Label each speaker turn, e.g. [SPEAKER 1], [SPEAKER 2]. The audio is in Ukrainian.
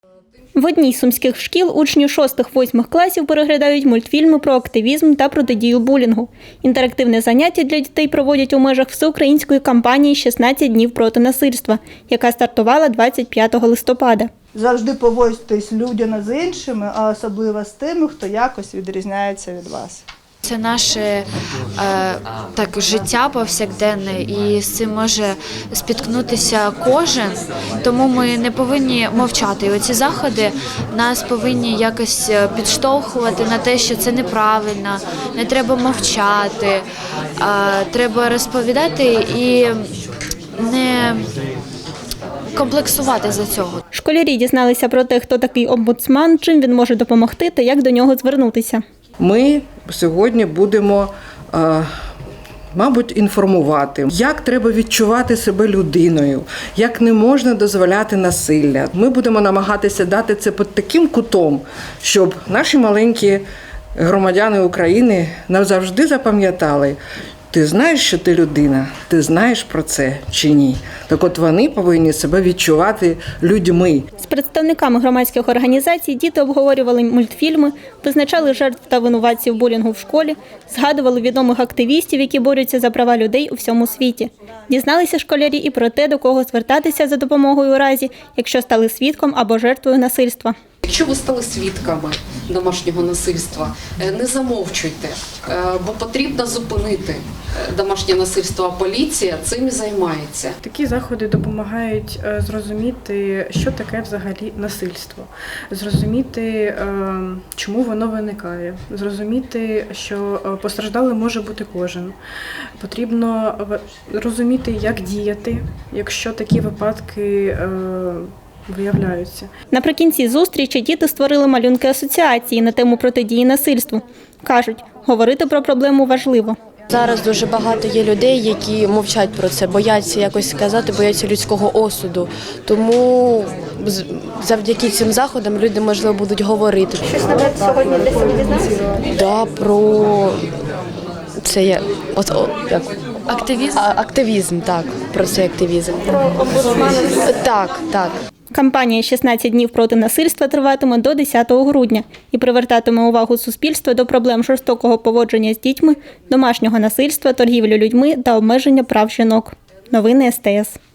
[SPEAKER 1] В одній з сумських шкіл учні 6-8 класів переглядають мультфільми про активізм та протидію булінгу. Інтерактивне заняття для дітей проводять у межах всеукраїнської кампанії «16 днів проти насильства», яка стартувала 25 листопада.
[SPEAKER 2] Завжди поводьтесь людяно з іншими, а особливо з тими, хто якось відрізняється від вас.
[SPEAKER 3] Це наше життя повсякденне, і з цим може спіткнутися кожен, тому ми не повинні мовчати. І оці заходи нас повинні якось підштовхувати на те, що це неправильно, не треба мовчати, треба розповідати і не комплексувати за цього.
[SPEAKER 1] Школярі дізналися про те, хто такий омбудсман, чим він може допомогти та як до нього звернутися.
[SPEAKER 4] Ми сьогодні будемо, мабуть, інформувати, як треба відчувати себе людиною, як не можна дозволяти насилля. Ми будемо намагатися дати це під таким кутом, щоб наші маленькі громадяни України назавжди запам'ятали, ти знаєш, що ти людина, ти знаєш про це чи ні. Так от вони повинні себе відчувати людьми.
[SPEAKER 1] З представниками громадських організацій діти обговорювали мультфільми, визначали жертв та винуватців булінгу в школі, згадували відомих активістів, які борються за права людей у всьому світі. Дізналися школярі і про те, до кого звертатися за допомогою у разі, якщо стали свідком або жертвою насильства.
[SPEAKER 5] Якщо ви стали свідками домашнього насильства, не замовчуйте, бо потрібно зупинити домашнє насильство, а поліція цим і займається.
[SPEAKER 6] Такі заходи допомагають зрозуміти, що таке взагалі насильство, зрозуміти, чому воно виникає, зрозуміти, що постраждалим може бути кожен. Потрібно розуміти, як діяти, якщо такі випадки виявляються.
[SPEAKER 1] Наприкінці зустрічі діти створили малюнки асоціації на тему протидії насильству. Кажуть, говорити про проблему важливо.
[SPEAKER 7] Зараз дуже багато є людей, які мовчать про це, бояться якось сказати, бояться людського осуду. Тому завдяки цим заходам люди, можливо, будуть говорити.
[SPEAKER 1] Щось нове сьогодні для себе дізналися?
[SPEAKER 7] Да, про це є
[SPEAKER 3] Активізм?
[SPEAKER 7] Активізм, так, про цей активізм.
[SPEAKER 1] Про омбудсмана?
[SPEAKER 7] Так.
[SPEAKER 1] Кампанія «16 днів проти насильства» триватиме до 10 грудня і привертатиме увагу суспільства до проблем жорстокого поводження з дітьми, домашнього насильства, торгівлі людьми та обмеження прав жінок. Новини СТС.